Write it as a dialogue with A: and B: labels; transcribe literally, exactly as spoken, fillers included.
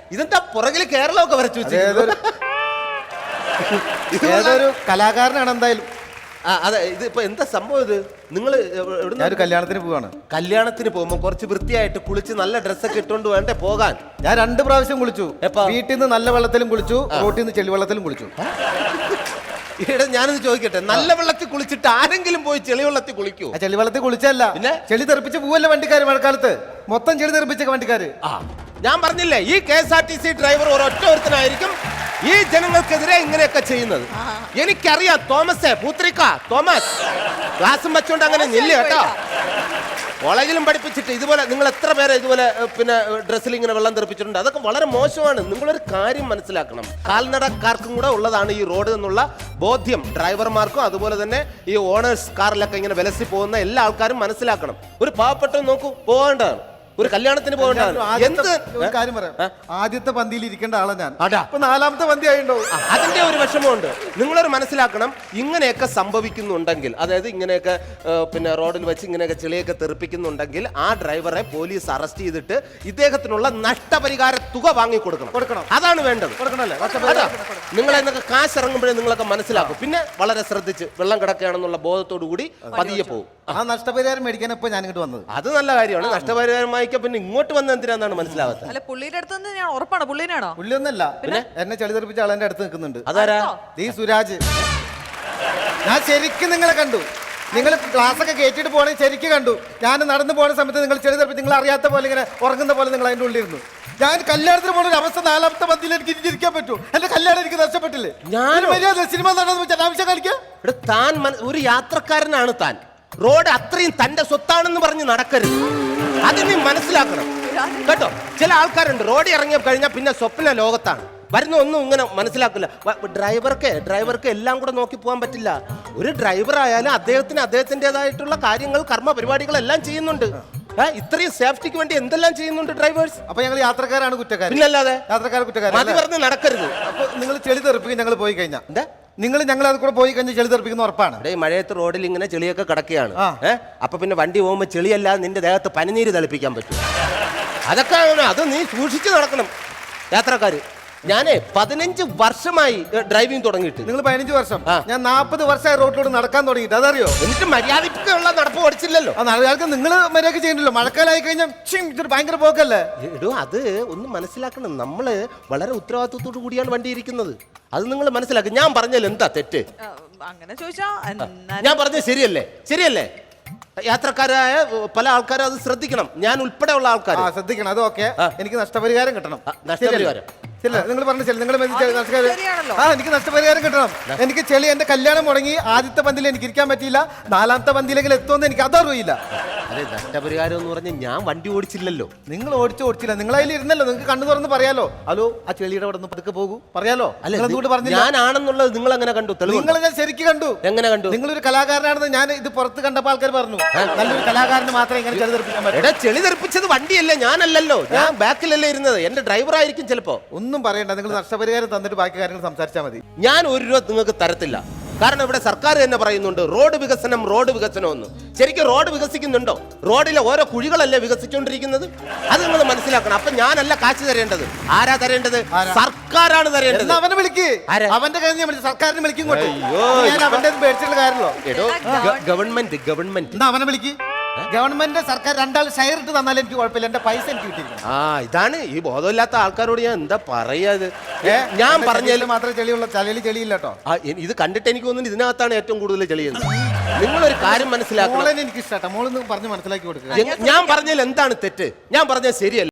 A: ഇതെന്താ പുറകില് കേരളമൊക്കെ വരച്ചു വെച്ചത്?
B: ഏതൊരു കലാകാരനാണ് എന്തായാലും.
A: ആ അതെ, ഇത് ഇപ്പൊ എന്താ സംഭവം? ഇത് നിങ്ങൾ
B: ഞാനൊരു കല്യാണത്തിന് പോവാണ്.
A: കല്യാണത്തിന് പോകുമ്പോ കുറച്ച് വൃത്തിയായിട്ട് കുളിച്ച് നല്ല ഡ്രസ്സൊക്കെ ഇട്ടുകൊണ്ട് വേണ്ടേ പോകാൻ?
B: ഞാൻ രണ്ട് പ്രാവശ്യം കുളിച്ചു.
A: എപ്പോ?
B: വീട്ടിൽ നിന്ന് നല്ല വെള്ളത്തിലും കുളിച്ചു, റോട്ടിൽ നിന്ന് ചെളി വെള്ളത്തിലും കുളിച്ചു.
A: ഇവിടെ ഞാനത് ചോദിക്കട്ടെ, നല്ല വെള്ളത്തിൽ കുളിച്ചിട്ട് ആരെങ്കിലും പോയി ചെളി വെള്ളത്തിൽ കുളിക്കൂ?
B: ചെളി വെള്ളത്തിൽ കുളിച്ചല്ല,
A: പിന്നെ
B: ചെളി തെറിപ്പിച്ച് പോവല്ലേ വണ്ടിക്കാര്. മഴക്കാലത്ത് മൊത്തം ചെളി തെറിപ്പിച്ച വണ്ടിക്കാര്.
A: ആ ഞാൻ പറഞ്ഞില്ലേ, ഈ K S R T C driver ഒരൊറ്റ ഒരുത്തനായിരിക്കും ഈ ജനങ്ങൾക്കെതിരെ ഇങ്ങനെയൊക്കെ ചെയ്യുന്നത്. എനിക്കറിയാം. തോമസേ, പൂത്രിക്ക തോമസ്, ക്ലാസ്സും വെച്ചോണ്ട് അങ്ങനെ നില്ല കേട്ടോ. കോളേജിലും പഠിപ്പിച്ചിട്ട് ഇതുപോലെ നിങ്ങൾ എത്ര പേരെ ഇതുപോലെ പിന്നെ ഡ്രസ്സിൽ ഇങ്ങനെ വെള്ളം തെറിപ്പിച്ചിട്ടുണ്ട്? അതൊക്കെ വളരെ മോശമാണ്. നിങ്ങളൊരു കാര്യം മനസ്സിലാക്കണം, കാൽനടക്കാർക്കും കൂടെ ഉള്ളതാണ് ഈ റോഡ് എന്നുള്ള ബോധ്യം ഡ്രൈവർമാർക്കും അതുപോലെ തന്നെ ഈ ഓണേഴ്സ് കാറിലൊക്കെ ഇങ്ങനെ വിലസി പോകുന്ന എല്ലാ ആൾക്കാരും മനസ്സിലാക്കണം. ഒരു പാവപ്പെട്ട നോക്കൂ, പോകേണ്ടതാണ്. ഒരു കല്യാണത്തിന് പോകേണ്ടതാണ്. എന്ത്
B: കാര്യം പറയാം, ആദ്യത്തെ പന്തിയിൽ ഇരിക്കേണ്ട ആളെ ഞാൻ
A: അടാ
B: ഇപ്പൊ നാലാമത്തെ പന്തി ആയിണ്ടോ?
A: അതിന്റെ ഒരു വിഷമമുണ്ട്. നിങ്ങളൊരു മനസ്സിലാക്കണം, ഇങ്ങനെയൊക്കെ സംഭവിക്കുന്നുണ്ടെങ്കിൽ, അതായത് ഇങ്ങനെയൊക്കെ പിന്നെ റോഡിൽ വെച്ച് ഇങ്ങനെയൊക്കെ ചെളിയൊക്കെ തെറിപ്പിക്കുന്നുണ്ടെങ്കിൽ ആ ഡ്രൈവറെ പോലീസ് അറസ്റ്റ് ചെയ്തിട്ട് ഇദ്ദേഹത്തിനുള്ള നഷ്ടപരിഹാര തുക വാങ്ങി കൊടുക്കണം.
B: കൊടുക്കണം
A: അതാണ് വേണ്ടത്.
B: കൊടുക്കണല്ലേ?
A: നിങ്ങൾ എന്നൊക്കെ കാശ് ഇറങ്ങുമ്പോഴേ നിങ്ങളൊക്കെ മനസ്സിലാക്കും. പിന്നെ വളരെ ശ്രദ്ധിച്ച് വെള്ളം കിടക്കുകയാണെന്നുള്ള ബോധത്തോടു കൂടി പതിയെ പോകും.
B: ആ നഷ്ടപരിഹാരം മേടിക്കാൻ ഇപ്പൊ ഞാൻ ഇങ്ങോട്ട് വന്നത്.
A: അത് നല്ല കാര്യമാണ്. നഷ്ടപരിഹാരമായി പിന്നെ ഇങ്ങോട്ട് വന്ന എന്തിനാന്നാണ് മനസ്സിലാവാത്തത്.
C: അല്ല, പുള്ളിയുടെ അടുത്ത് നിന്ന് ഞാൻ ഉറപ്പാണ് പുള്ളിനാണോ?
B: പുള്ളിയൊന്നല്ല, പിന്നെ എന്നെ ചെളി തെറിപ്പിച്ച ആളെന്റെ അടുത്ത് നിൽക്കുന്നുണ്ട്.
A: അതാരാ?
B: ഈ സുരാജ്. ഞാൻ ശരിക്കും നിങ്ങളെ കണ്ടു. നിങ്ങൾ ക്ലാസ് ഒക്കെ കയറ്റിട്ട് പോകണേ ശരിക്കും കണ്ടു. ഞാൻ നടന്നു പോകുന്ന സമയത്ത് നിങ്ങൾ ചെളി തെറിപ്പിച്ച് നിങ്ങൾ അറിയാത്ത പോലെ ഇങ്ങനെ ഉറങ്ങുന്ന പോലെ നിങ്ങൾ അതിൻ്റെ ഉള്ളിരുന്നു. ഞാൻ കല്യാണത്തിന് പോകുന്ന ഒരു അവസ്ഥ നാലാമത്തെ പന്തിയിൽ എനിക്ക് ഇരിക്കാൻ പറ്റൂ? എന്റെ കല്യാണം എനിക്ക് നഷ്ടപ്പെട്ടില്ലേ? ഞാൻ മര്യാദ സിനിമ നടന്നു അനാവശ്യം കളിക്കാം.
A: താൻ ഒരു യാത്രക്കാരനാണ്. താൻ റോഡ് അത്രയും തന്റെ സ്വത്താണെന്ന് പറഞ്ഞ് നടക്കരുത്. അത് നീ മനസ്സിലാക്കണം കേട്ടോ. ചില ആൾക്കാരുണ്ട് റോഡിൽ ഇറങ്ങി കഴിഞ്ഞാൽ പിന്നെ സ്വപ്ന ലോകത്താണ്. വരുന്ന ഒന്നും ഇങ്ങനെ മനസ്സിലാക്കില്ല. ഡ്രൈവർക്ക് ഡ്രൈവർക്ക് എല്ലാം കൂടെ നോക്കി പോകാൻ പറ്റില്ല. ഒരു ഡ്രൈവർ ആയാലും അദ്ദേഹത്തിന് അദ്ദേഹത്തിൻ്റെതായിട്ടുള്ള കാര്യങ്ങൾ കർമ്മ പരിപാടികളെല്ലാം ചെയ്യുന്നുണ്ട്. ഇത്രയും സേഫ്റ്റിക്ക് വേണ്ടി എന്തെല്ലാം ചെയ്യുന്നുണ്ട് ഡ്രൈവേഴ്സ്.
B: അപ്പൊ ഞങ്ങൾ യാത്രക്കാരാണ് കുറ്റക്കാരൻ?
A: പിന്നല്ലാതെ
B: യാത്രക്കാർ കുറ്റക്കാരൻ.
A: മതി പറഞ്ഞ് നടക്കരുത്.
B: അപ്പൊ നിങ്ങൾ ചെളി തെറിപ്പിക്കും ഞങ്ങൾ പോയി കഴിഞ്ഞാൽ എന്താ? നിങ്ങൾ ഞങ്ങൾ അത് കൂടെ പോയി കഴിഞ്ഞാൽ ചെളി തെറിപ്പിക്കുന്ന ഉറപ്പാണ്.
A: മഴയത്ത് റോഡിൽ ഇങ്ങനെ ചെളിയൊക്കെ കിടക്കുകയാണ്. ഏഹ് അപ്പൊ പിന്നെ വണ്ടി പോകുമ്പോൾ ചെളിയല്ലാതെ നിന്റെ ദേഹത്ത് പനിനീര് തളിപ്പിക്കാൻ പറ്റും. അതൊക്കെ അത് നീ സൂക്ഷിച്ച് നടക്കണം യാത്രക്കാര്. ഞാനേ പതിനഞ്ച് വർഷമായി ഡ്രൈവിംഗ് തുടങ്ങിയിട്ട്.
B: നിങ്ങൾ പതിനഞ്ച് വർഷം, ഞാൻ നാൽപ്പത് വർഷമായി റോഡിലൂടെ നടക്കാൻ തുടങ്ങിയിട്ട്. അതറിയോ?
A: എന്നിട്ട് മര്യാദക്കുള്ള നടപ്പ് പഠിച്ചില്ലല്ലോ.
B: ആ മര്യാദക്ക് നിങ്ങൾ മര്യാദ ചെയ്യണ്ടല്ലോ. മഴക്കാലമായി കഴിഞ്ഞാൽ ഇതൊരു ഭയങ്കര പോക്കല്ലേ?
A: എടോ, അത് ഒന്ന് മനസ്സിലാക്കണം. നമ്മള് വളരെ ഉത്തരവാദിത്വത്തോടു കൂടിയാണ് വണ്ടി ഇരിക്കുന്നത്. അത് നിങ്ങൾ മനസ്സിലാക്കും. ഞാൻ പറഞ്ഞല്ലോ എന്താ തെറ്റ്?
C: അങ്ങനെ ചോദിച്ചാ
A: ഞാൻ പറഞ്ഞത് ശരിയല്ലേ? ശരിയല്ലേ? യാത്രക്കാരായ പല ആൾക്കാരും അത് ശ്രദ്ധിക്കണം. ഞാൻ ഉൾപ്പെടെ ഉള്ള ആൾക്കാർ
B: ശ്രദ്ധിക്കണം. അത് ഓക്കെ. എനിക്ക് നഷ്ടപരിഹാരം കിട്ടണം.
A: നഷ്ടപരിഹാരം
B: നിങ്ങൾ പറഞ്ഞ ചെളി നിങ്ങൾ ആ എനിക്ക് നഷ്ടപരിഹാരം കിട്ടണം. എനിക്ക് ചെളി എന്റെ കല്യാണം മുടങ്ങി ആദ്യത്തെ പന്തിൽ എനിക്ക് ഇരിക്കാൻ പറ്റിയില്ല. നാലാമത്തെ പന്തിയിലെങ്കിലും എത്തുമെന്ന് എനിക്ക് അതറിയില്ല.
A: അതെ, നഷ്ടപരിഹാരം എന്ന് പറഞ്ഞ് ഞാൻ വണ്ടി ഓടിച്ചില്ലല്ലോ.
B: നിങ്ങൾ ഓടിച്ചു ഓടിച്ചില്ല. നിങ്ങൾ അതിൽ ഇരുന്നല്ലോ. നിങ്ങൾക്ക് കണ്ണു തുറന്ന് പറയാലോ. ഹലോ, ആ ചെളിയുടെ അവിടെ നിന്ന് പതുക്കെ പോകൂ പറയാലോ.
A: അല്ല, ഞാനാണെന്നുള്ളത് നിങ്ങൾ എങ്ങനെ കണ്ടു?
B: നിങ്ങൾ ഞാൻ ശരിക്കും കണ്ടു.
A: എങ്ങനെ കണ്ടു?
B: നിങ്ങളൊരു കലാകാരനാണെന്ന് ഞാൻ ഇത് പുറത്ത് കണ്ടപ്പോൾ ആൾക്കാർ പറഞ്ഞു. നല്ലൊരു കലാകാരന് മാത്രമേ ഇങ്ങനെ ചെളി തെറിപ്പിക്കാൻ പറ്റൂ.
A: ചെളി തെറിപ്പിച്ചത് വണ്ടിയല്ലേ, ഞാനല്ലല്ലോ. ഞാൻ ബാക്കിലല്ലേ ഇരുന്നത്. എന്റെ ഡ്രൈവർ ആയിരിക്കും ചിലപ്പോ.
B: ഒന്നും പറയണ്ട. നിങ്ങൾ നഷ്ടപരിഹാരം തന്നിട്ട് ബാക്കി കാര്യങ്ങൾ സംസാരിച്ചാൽ മതി.
A: ഞാൻ ഒരു രൂപ നിങ്ങൾക്ക് തരത്തില്ല. കാരണം ഇവിടെ സർക്കാർ തന്നെ പറയുന്നുണ്ട് റോഡ് വികസനം റോഡ് വികസനം എന്ന്. ശരിക്കും റോഡ് വികസിക്കുന്നുണ്ടോ? റോഡിലെ ഓരോ കുഴികളല്ലേ വികസിച്ചുകൊണ്ടിരിക്കുന്നത്. അത് നിങ്ങൾ മനസ്സിലാക്കണം. അപ്പൊ ഞാനല്ല കാശ് തരേണ്ടത്. ആരാ തരേണ്ടത്? സർക്കാരാണ് തരേണ്ടത്.
B: അവനെ വിളിക്ക്. അവന്റെ കാര്യം സർക്കാരിനെ വിളിക്കും. അവന്റെ മേടിച്ചിട്ടുള്ള കാര്യമല്ലോ.
A: ഗവൺമെന്റ് ഗവൺമെന്റ്
B: അവനെ വിളിക്ക്. ഗവൺമെന്റ് സർക്കാർ രണ്ടാൾ ഷെയർ ഇട്ട് തന്നാലും എനിക്ക് കുഴപ്പമില്ല. എന്റെ പൈസ എനിക്ക് കിട്ടിയിരിക്കും.
A: ആ ഇതാണ് ഈ ബോധമില്ലാത്ത ആൾക്കാരോട് ഞാൻ എന്താ പറയാത്. ഞാൻ പറഞ്ഞാലും
B: മാത്രമേ ചെളിയുള്ള ചളിയിൽ ചെളിയില്ല കേട്ടോ.
A: ഇത് കണ്ടിട്ട് എനിക്ക് തോന്നുന്നു ഇതിനകത്താണ് ഏറ്റവും കൂടുതൽ ചെളിയുന്നത്. നിങ്ങളൊരു കാര്യം മനസ്സിലാക്കണം.
B: എനിക്ക് ഇഷ്ടം മോളെന്ന് പറഞ്ഞ് മനസ്സിലാക്കി കൊടുക്കുക.
A: ഞാൻ പറഞ്ഞാൽ എന്താണ് തെറ്റ്? ഞാൻ പറഞ്ഞാൽ ശരിയല്ല.